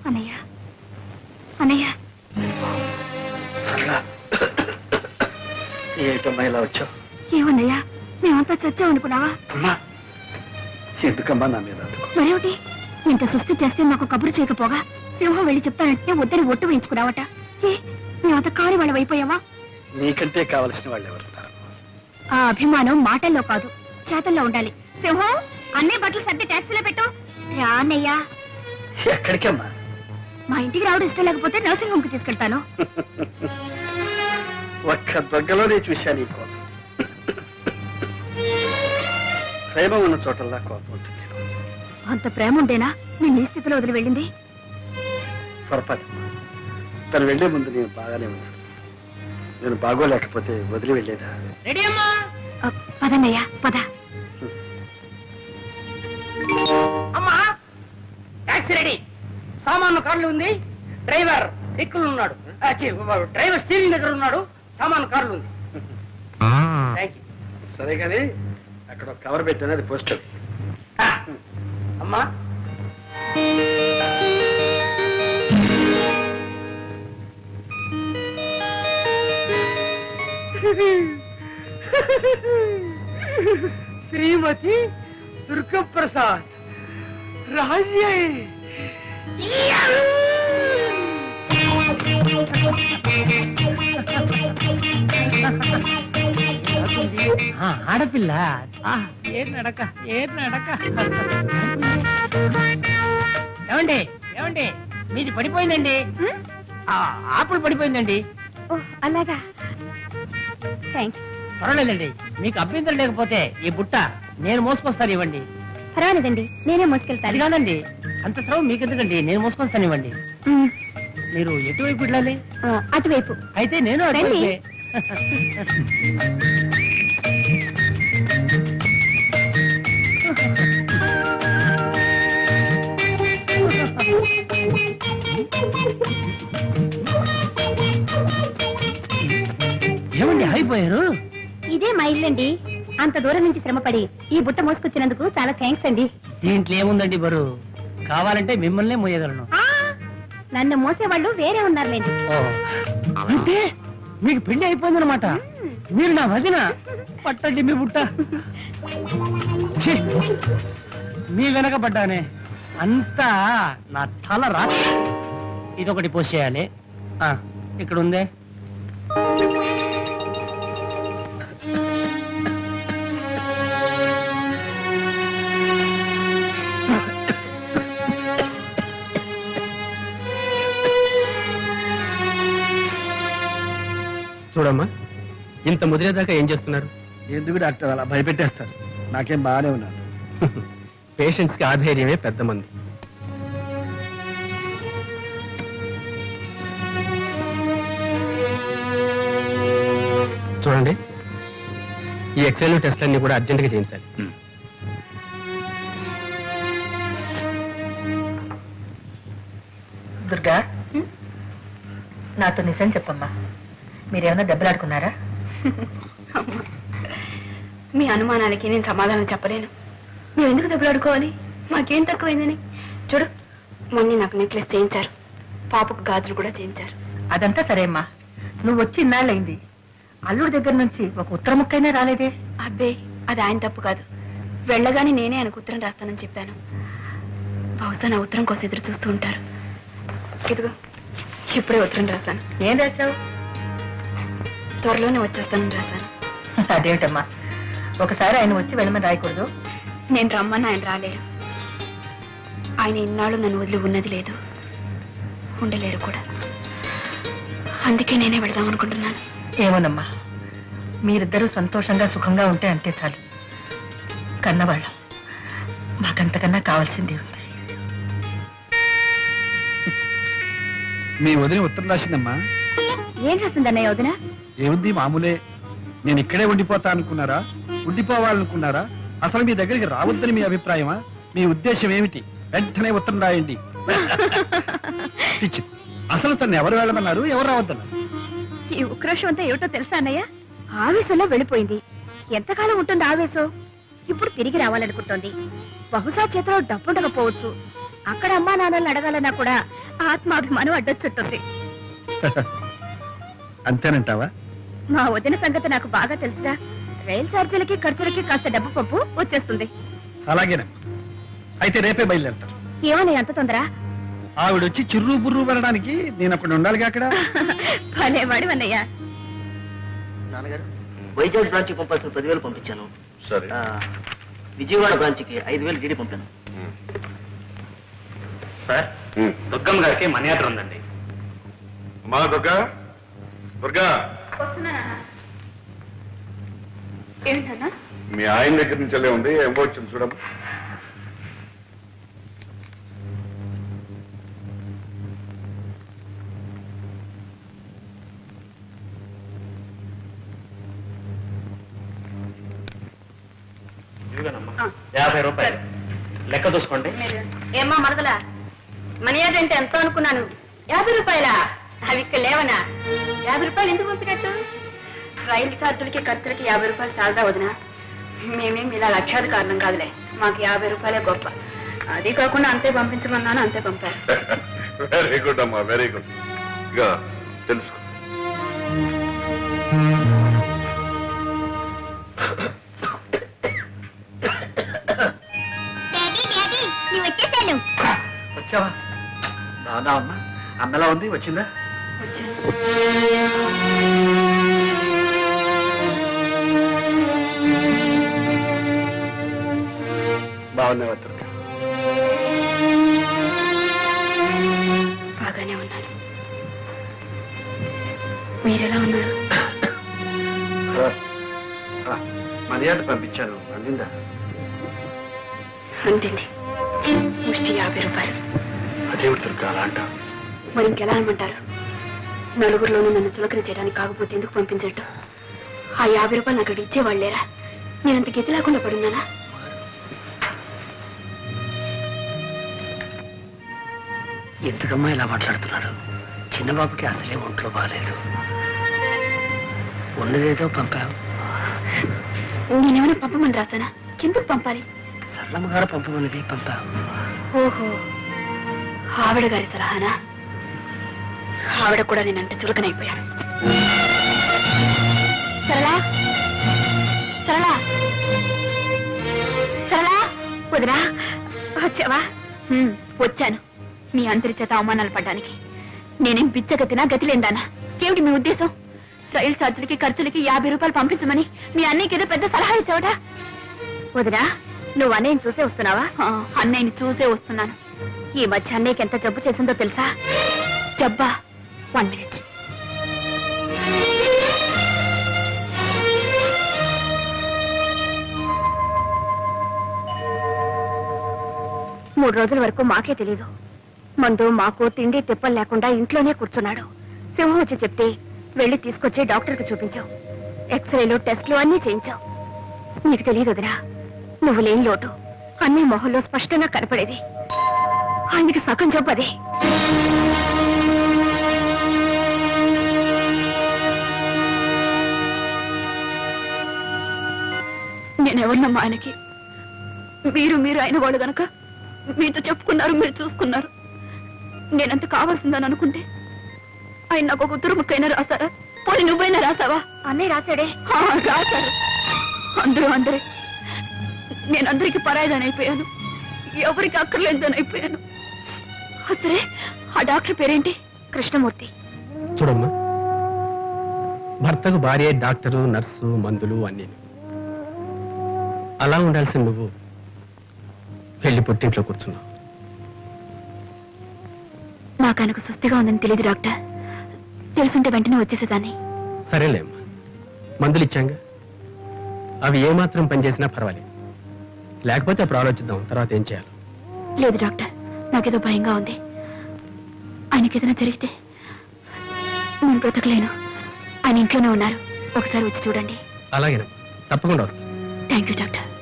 అన్నయ్య అన్నయ్య ఏమిటమ్మా ఇలా వచ్చావు? ఏమన్నయ్యా మేమంతా చచ్చామనుకున్నావా? అమ్మా ఎందుకమ్మా నా మీద మరేమిటి ఇంత సుస్థి చేస్తే మాకు కబురు చేయకపోగా సింహం వెళ్ళి చెప్తానంటే వద్దని ఒట్టు వేయించుకున్నావట. ఏ మేమంతా కాని వాళ్ళం అయిపోయావా? నీకంటే కావలసిన వాళ్ళు ఎవరున్నారు? ఆ అభిమానం మాటల్లో కాదు చేతల్లో ఉండాలి. సింహం అన్ని బట్టలు సర్ది ట్యాక్సీలో పెట్టు. రా అన్నయ్యా. ఎక్కడికమ్మా? మా ఇంటికి రావడం ఇష్టం లేకపోతే నర్సింగ్ హోమ్ కి తీసుకెళ్తాను. ఒక్క దొగ్గలోనే చూశాను ఈ కోపం. ప్రేమ ఉన్న చోటల్లా కోపం ఉంటుంది. అంత ప్రేమ ఉండేనా నేను ఈ స్థితిలో వదిలి వెళ్ళింది? పొరపాటు. తను వెళ్లే ముందు నేను బాగానే ఉన్నాను. నేను బాగోలేకపోతే వదిలి వెళ్ళేదా? పదన్నయ్యా పద. అమ్మా టాక్సీ రెడీ, సామాను కార్లు ఉంది, డ్రైవర్ దిక్కులు ఉన్నాడు, డ్రైవర్ స్టీరింగ్ దగ్గర ఉన్నాడు, సామాను కార్లు ఉంది. సరే కానీ అక్కడ ఒక కవర్ పెట్టాను, అది పోస్టర్. అమ్మా శ్రీమతి దుర్గప్రసాద్ రాజ్యే. ఆడపిల్ల ఏ నడక ఏమండి ఏమండి మీది పడిపోయిందండి, ఆపులు పడిపోయిందండి. అలాగా థ్యాంక్స్. పర్వాలేదండి, మీకు అభ్యంతరం లేకపోతే ఈ బుట్ట నేను మోసుకొస్తాను, ఇవ్వండి. పర్వాలేదండి నేనే మోసుకెళ్తాను. అది కాదండి, అంత శ్రమ మీకెందుకండి, నేను మోసుకొస్తాను, ఇవ్వండి. మీరు ఎటువైపు వెళ్ళాలి? అటువైపు. అయితే నేను అటువైపే. ఏమండి అయిపోయారు? ఇదే మా ఇల్లండి. అంత దూరం నుంచి శ్రమపడి ఈ బుట్ట మోసుకొచ్చినందుకు చాలా థ్యాంక్స్ అండి. దీంట్లో ఏముందండి బరువు, కావాలంటే మిమ్మల్నే మోయగలను. నన్ను మోసేవాళ్ళు వేరే ఉన్నారులేండి. అంటే మీకు పెళ్లి అయిపోయిందనమాట, మీరు నా వదిన. పట్టండి మీ బుట్ట. ఛీ, మీ వెనక పడ్డానే అంతా నా తల రా. ఇదొకటి పోస్ట్ చేయాలి. ఇక్కడ ఉందే. చూడమ్మా, ఇంత ముదిరేదాకా ఏం చేస్తున్నారు? ఎందుకు డాక్టర్ అలా భయపెట్టేస్తారు? నాకేం బాగానే ఉన్నాను. పేషెంట్స్ కి ఆధైర్యమే పెద్ద మంది. చూడండి, ఈ ఎక్స్రేలు టెస్ట్లన్నీ కూడా అర్జెంటుగా చేయించాలి. దుర్గా, నాతో నిజం చెప్పమ్మా, మీరేమన్నా దెబ్బలాడుకున్నారా? మీ అనుమానాలకి నేను సమాధానం చెప్పలేను. మేము ఎందుకు దెబ్బలాడుకోవాలి? మాకేం తక్కువైందని. చూడు, మొన్న నాకు నెక్లెస్ చేయించారు, పాపకు గాజులు కూడా చేయించారు. అదంతా సరే అమ్మా, నువ్వు వచ్చి ఇన్నాళ్ళైంది, అల్లుడి దగ్గర నుంచి ఒక ఉత్తర ముక్కైనా రాలేదే? అబ్బే, అది ఆయన తప్పు కాదు. వెళ్ళగానే నేనే ఆయనకు ఉత్తరం రాస్తానని చెప్పాను. బహుశా నా ఉత్తరం కోసం ఎదురు చూస్తూ ఉంటారు. ఇదిగో ఇప్పుడే ఉత్తరం రాశాను. ఏం రాశావు? త్వరలోనే వచ్చేస్తానని రాశాను. అదేమిటమ్మా, ఒకసారి ఆయన వచ్చి వెళ్ళమని రాయకూడదు? నేను రమ్మని ఆయన రాలేరు. ఆయన ఇన్నాళ్ళు నన్ను వదిలి ఉన్నది లేదు, ఉండలేరు కూడా. అందుకే నేనే వెళదాం అనుకుంటున్నాను. ఏమోనమ్మా, మీరిద్దరూ సంతోషంగా సుఖంగా ఉంటే అంతే చాలు. కన్నవాళ్ళం, మాకంతకన్నా కావాల్సింది ఉంది. మీ వదిన ఉత్తరం రాసిందమ్మా. ఏం రాసిందన్నయ్య వదిన? ఏముంది, మామూలే. నేను ఇక్కడే ఉండిపోతా అనుకున్నారా, ఉండిపోవాలనుకున్నారా, అసలు మీ దగ్గరికి రావద్దని మీ అభిప్రాయమా? మీ ఉద్దేశం ఏమిటి? వెంటనే ఉత్తరం రాయండి. అసలు తను ఎవరు వెళ్ళమన్నారు, ఎవరు రావద్దన్నారు? ఈ ఉక్రోషం అంతా ఏమిటో తెలుసా అన్నయ్య? ఆవేశంలో వెళ్ళిపోయింది. ఎంతకాలం ఉంటుంది ఆవేశం? ఇప్పుడు తిరిగి రావాలనుకుంటోంది. బహుశా చేతిలో డబ్బుండకపోవచ్చు. అక్కడ అమ్మా నాన్నల్ని అడగాలన్నా కూడా ఆత్మాభిమానం అడ్డొచ్చుంటుంది. అంతేనంటావా? మా వదిన సంగతి నాకు బాగా తెలుసుగా. రైలు ఛార్జీలకి ఖర్చులకి కాస్త డబ్బు పప్పు వచ్చేస్తుంది. అలాగేనమ్మా. అయితే రేపే బయలుదేరుతాను. ఏమని అంత తొందర? ఆవిడొచ్చి చిర్రు బుర్రు పడడానికి నేను అక్కడ ఉండాలిగా అక్కడ. భలేవాడు అన్నయ్య. నాన్నగారు, వైజాగ్ బ్రాంచ్కి పంపాల్సిన 10,000 పంపించాను. సరే. విజయవాడ బ్రాంచ్కి 5,000 డీడీ పంపాను. సార్, దుర్గమ్మ గారికి మనీ ఆర్డర్ ఉందండి. అమ్మా దుర్గా, దుర్గా, ఏంటన్నా? మీ ఆయన దగ్గర నుంచి వెళ్ళే ఉంది. ఏం వచ్చింది చూడమ్మా. ఇదిగోనమ్మా, 50 రూపాయలు లెక్క చూసుకోండి. ఏమ్మా మరదలా, మనీ ఆర్డర్ అంటే ఎంతో అనుకున్నాను. 50 రూపాయలా? అవి ఇక్కడ లేవనా? 50 రూపాయలు ఎందుకు పంపినట్టు? రైలు ఛార్జీలకి ఖర్చులకి 50 రూపాయలు చాలదా వదినా? మేమేం ఇలా లక్షాది కారణం కాదులే. మాకు 50 రూపాయలే గొప్ప. అది కాకుండా అంతే పంపించమన్నాను, అంతే పంపారు. వెరీ గుడ్ అమ్మా, వెరీ గుడ్. ఇక తెలుసుకో. వచ్చావా? రాదా అమ్మా? అందలా ఉంది. వచ్చిందా? బాగున్నావా దుర్గా? బాగానే ఉన్నాను. మీరెలా ఉన్నారు? మర్యాద పంపించాను, అందిందా? అంతేంది, ముష్టి 50 రూపాయలు. అదేవిడు దుర్గా అలా అంటావు? మరి ఇంకెలా అనమంటారు? నలుగురిలోనూ నన్ను చులకన చేయడానికి కాకపోతే ఎందుకు పంపించట్టు? ఆ 50 రూపాయలు నాకు అక్కడ ఇచ్చేవాళ్ళు లేరా? నేనంత గతి లేకుండా పడున్నానా? ఎందుకమ్మా ఇలా మాట్లాడుతున్నారు? చిన్నబాబుకి అసలే ఒంట్లో బాగాలేదు. ఉన్నదేదో పంపాం. నేనేమైనా పంపమని రాసానా? ఎందుకు పంపాలి? సరళమ్మ గారు పంపమన్నది పంపాం. ఓహో, ఆవిడ గారి సలహానా? ఆవిడ కూడా నేనంటే చులకనైపోయాను. సరళా, సరళా, సరళా, వదినా వచ్చావా? వచ్చాను. మీ అందరి చేత అవమానాలు పడ్డానికి. నేనేం బిచ్చగతినా, గతిలేందానా? ఏమిటి మీ ఉద్దేశం? రైలు ఛార్జీలకి ఖర్చులకి 50 రూపాయలు పంపించమని మీ అన్నయ్యకి ఏదో పెద్ద సలహా ఇచ్చావట. వదినా, నువ్వు అన్నయ్యని చూసే వస్తున్నావా? అన్నయ్యని చూసే వస్తున్నాను. ఈ మధ్య అన్నయ్యకి ఎంత జబ్బు చేసిందో తెలుసా? జబ్బా? 1 minute. మూడు రోజుల వరకు మాకే తెలీదు. మందు మాకు తిండి తిప్పలు లేకుండా ఇంట్లోనే కూర్చున్నాడు. సింహం వచ్చి చెప్తే వెళ్ళి తీసుకొచ్చి డాక్టర్కి చూపించావు. ఎక్స్రేలు టెస్టులు అన్నీ చేయించావు. నీకు తెలియదు వదినా, నువ్వు లేని లోటు అన్ని మొహంలో స్పష్టంగా కనపడేది. ఆయనకి సగం జబ్బు అదే. నేనెవరినమ్మా ఆయనకి? మీరు అయిన వాళ్ళు గనక మీతో చెప్పుకున్నారు, మీరు చూసుకున్నారు. నేనంత కావాల్సిందని అనుకుంటే ఆయన నాకు ఒక ఉత్తరం ముక్కైనా రాశారా? పోనీ నువ్వైనా రాసావా? అన్నయ్య రాశాడే. రాశారు. అందరే. నేనందరికి పరాయిదానైపోయాను, ఎవరికి అక్కర్లేదానైపోయాను. అసలే ఆ డాక్టర్ పేరేంటి? కృష్ణమూర్తి. చూడమ్మా, భర్తకు భార్య, డాక్టరు, నర్సు, మందులు అన్నీ. అలా ఉండాల్సిన నువ్వు వెళ్ళి పుట్టింట్లో కూర్చున్నావు. నాకు ఆయనకు సుస్థిగా ఉందని తెలియదు డాక్టర్. తెలుసుంటే వెంటనే వచ్చేసేదాన్ని. సరేలేమ్మా, మందులు ఇచ్చాంగా, అవి ఏమాత్రం పనిచేసినా పర్వాలేదు. లేకపోతే అప్పుడు ఆలోచిద్దాం తర్వాత ఏం చేయాలి. లేదు డాక్టర్, నాకేదో భయంగా ఉంది. ఆయనకి ఏదైనా జరిగితే నేను బ్రతకలేను. ఆయన ఇంట్లోనే ఉన్నారు, ఒకసారి వచ్చి చూడండి. అలాగేనమ్మా, తప్పకుండా వస్తాను. Thank you doctor.